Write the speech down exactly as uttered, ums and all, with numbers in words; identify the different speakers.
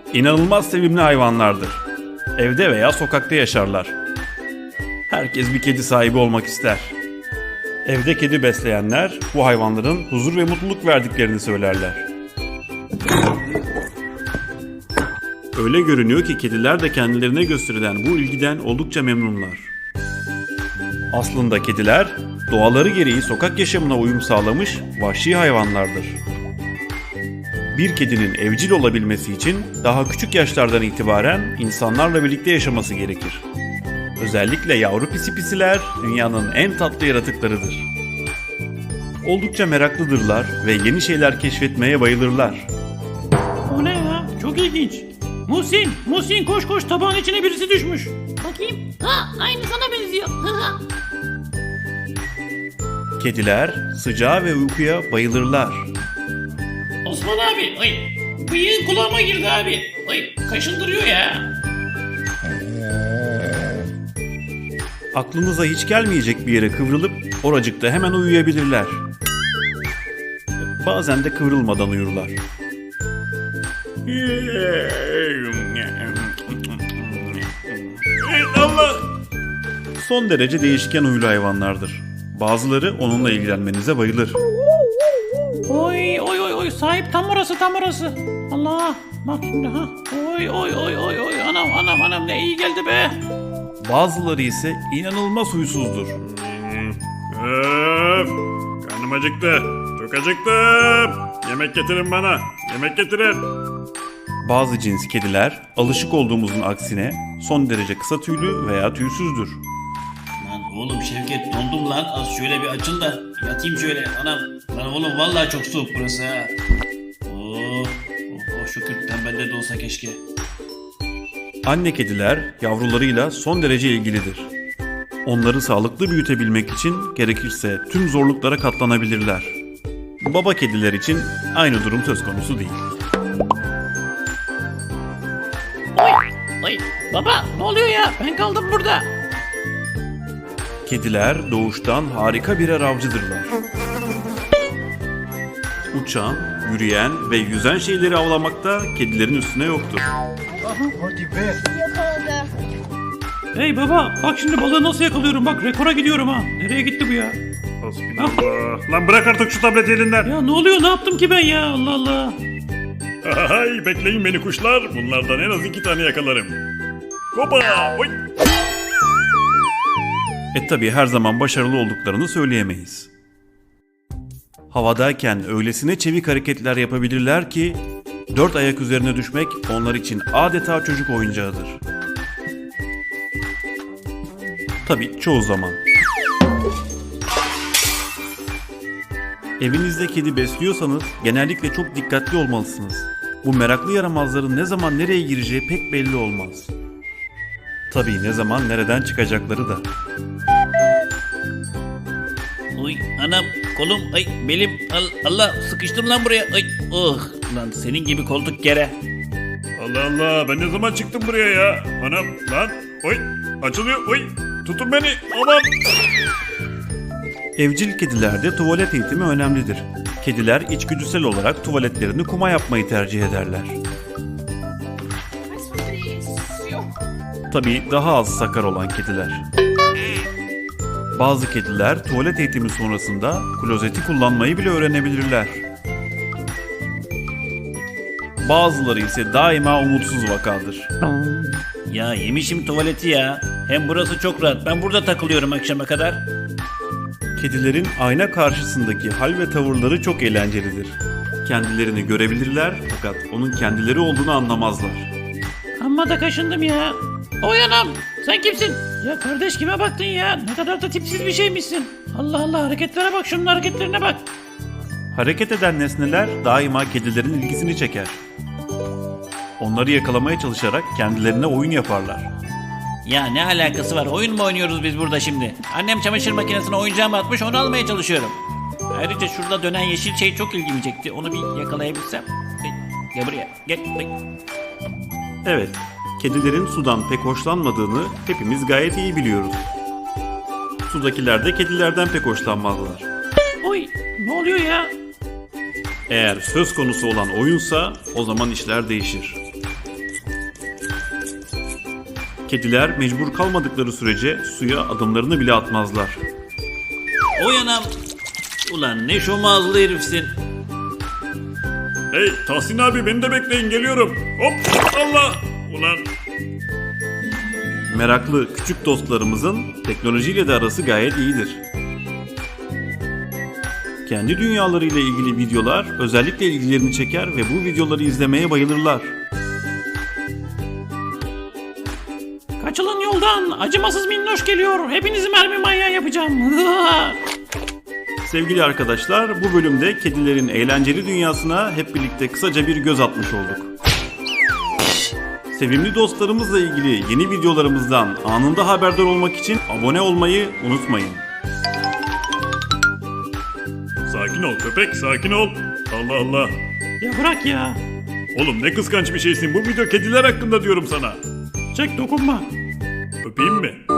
Speaker 1: İnanılmaz sevimli hayvanlardır. Evde veya sokakta yaşarlar. Herkes bir kedi sahibi olmak ister. Evde kedi besleyenler bu hayvanların huzur ve mutluluk verdiklerini söylerler. Öyle görünüyor ki kediler de kendilerine gösterilen bu ilgiden oldukça memnunlar. Aslında kediler doğaları gereği sokak yaşamına uyum sağlamış vahşi hayvanlardır. Bir kedinin evcil olabilmesi için daha küçük yaşlardan itibaren insanlarla birlikte yaşaması gerekir. Özellikle yavru pisi pisiler dünyanın en tatlı yaratıklarıdır. Oldukça meraklıdırlar ve yeni şeyler keşfetmeye bayılırlar.
Speaker 2: O ne ya? Çok ilginç. Muhsin, Muhsin koş koş, tabağın içine birisi düşmüş.
Speaker 3: Bakayım. Ha, aynı sana benziyor.
Speaker 1: Kediler sıcağa ve uykuya bayılırlar.
Speaker 2: Osman abi, ay bıyığın kulağıma girdi abi. Ay kaşındırıyor ya.
Speaker 1: Aklınıza hiç gelmeyecek bir yere kıvrılıp oracıkta hemen uyuyabilirler. Bazen de kıvrılmadan uyurlar. Allah! Son derece değişken huylu hayvanlardır. Bazıları onunla ilgilenmenize bayılır.
Speaker 2: Oy oy oy oy, sahip tam orası tam orası. Allah, bak şimdi ha. Oy oy oy oy oy, anam anam anam, ne iyi geldi be.
Speaker 1: Bazıları ise inanılmaz huysuzdur.
Speaker 4: Öf! Karnım acıktı. Çok acıktım. Yemek getirin bana. Yemek getirin.
Speaker 1: Bazı cins kediler alışık olduğumuzun aksine son derece kısa tüylü veya tüysüzdür.
Speaker 5: Lan oğlum Şevket, dondum lan, az şöyle bir açıl da yatayım şöyle anam. Lan oğlum vallahi çok soğuk burası ha. Oh, oh, oh şükür, tembelde de olsa keşke.
Speaker 1: Anne kediler yavrularıyla son derece ilgilidir. Onları sağlıklı büyütebilmek için gerekirse tüm zorluklara katlanabilirler. Baba kediler için aynı durum söz konusu değil.
Speaker 2: Oy oy, baba ne oluyor ya, ben kaldım burada.
Speaker 1: Kediler doğuştan harika birer avcıdırlar. Uçan, yürüyen ve yüzen şeyleri avlamakta kedilerin üstüne yoktur.
Speaker 3: Yakaladı.
Speaker 2: Hey baba, bak şimdi balığı nasıl yakalıyorum, bak rekora gidiyorum ha. Nereye gitti bu ya?
Speaker 4: Hasbinallah. Lan bırak artık şu tableti elinden.
Speaker 2: Ya ne oluyor, ne yaptım ki ben ya, Allah Allah.
Speaker 4: Hay, bekleyin beni kuşlar. Bunlardan en az iki tane yakalarım. Hopa! Oy!
Speaker 1: E tabi her zaman başarılı olduklarını söyleyemeyiz. Havadayken öylesine çevik hareketler yapabilirler ki dört ayak üzerine düşmek onlar için adeta çocuk oyuncağıdır. Tabi çoğu zaman. Evinizde kedi besliyorsanız genellikle çok dikkatli olmalısınız. Bu meraklı yaramazların ne zaman nereye gireceği pek belli olmaz. Tabii ne zaman nereden çıkacakları da.
Speaker 5: Oy anam, kolum, ay belim, al, Allah sıkıştım lan buraya. Ay oh lan, senin gibi koltuk kere.
Speaker 4: Allah Allah, ben ne zaman çıktım buraya ya? Anam lan, oy açılıyor, oy tutun beni, aman.
Speaker 1: Evcil kedilerde tuvalet eğitimi önemlidir. Kediler içgüdüsel olarak tuvaletlerini kuma yapmayı tercih ederler. Tabii daha az sakar olan kediler. Bazı kediler tuvalet eğitimi sonrasında klozeti kullanmayı bile öğrenebilirler. Bazıları ise daima umutsuz vakadır.
Speaker 5: Ya yemişim tuvaleti ya. Hem burası çok rahat, ben burada takılıyorum akşama kadar.
Speaker 1: Kedilerin ayna karşısındaki hal ve tavırları çok eğlencelidir. Kendilerini görebilirler fakat onun kendileri olduğunu anlamazlar.
Speaker 2: Amma da kaşındım ya. Oy anam, sen kimsin? Ya kardeş, kime baktın ya? Ne kadar da tipsiz bir şeymişsin. Allah Allah, hareketlere bak, şunun hareketlerine bak.
Speaker 1: Hareket eden nesneler daima kedilerin ilgisini çeker. Onları yakalamaya çalışarak kendilerine oyun yaparlar.
Speaker 5: Ya ne alakası var, oyun mu oynuyoruz biz burada şimdi? Annem çamaşır makinesine oyuncağımı atmış, onu almaya çalışıyorum. Ayrıca şurada dönen yeşil şey çok ilgimi çekti, onu bir yakalayabilsem. Ay, gel buraya, gel. Ay.
Speaker 1: Evet, kedilerin sudan pek hoşlanmadığını hepimiz gayet iyi biliyoruz. Sudakiler de kedilerden pek hoşlanmazlar.
Speaker 2: Oy, ne oluyor ya?
Speaker 1: Eğer söz konusu olan oyunsa o zaman işler değişir. Kediler mecbur kalmadıkları sürece suya adımlarını bile atmazlar.
Speaker 5: Oy anam. Ulan ne şom ağızlı herifsin.
Speaker 4: Hey Tahsin abi beni de bekleyin geliyorum. Hop Allah. Ulan
Speaker 1: Meraklı küçük dostlarımızın teknolojiyle de arası gayet iyidir. Kendi dünyalarıyla ilgili videolar özellikle ilgilerini çeker ve bu videoları izlemeye bayılırlar.
Speaker 2: Kaçılın yoldan. Acımasız minnoş geliyor. Hepinizi mermi manyağı yapacağım.
Speaker 1: Sevgili arkadaşlar, bu bölümde kedilerin eğlenceli dünyasına hep birlikte kısaca bir göz atmış olduk. Sevimli dostlarımızla ilgili yeni videolarımızdan anında haberdar olmak için abone olmayı unutmayın.
Speaker 4: sakin ol köpek sakin ol. Allah Allah.
Speaker 2: Ya bırak ya.
Speaker 4: Oğlum ne kıskanç bir şeysin. Bu video kediler hakkında diyorum sana.
Speaker 2: Çek dokunma.
Speaker 4: Öpeyim mi?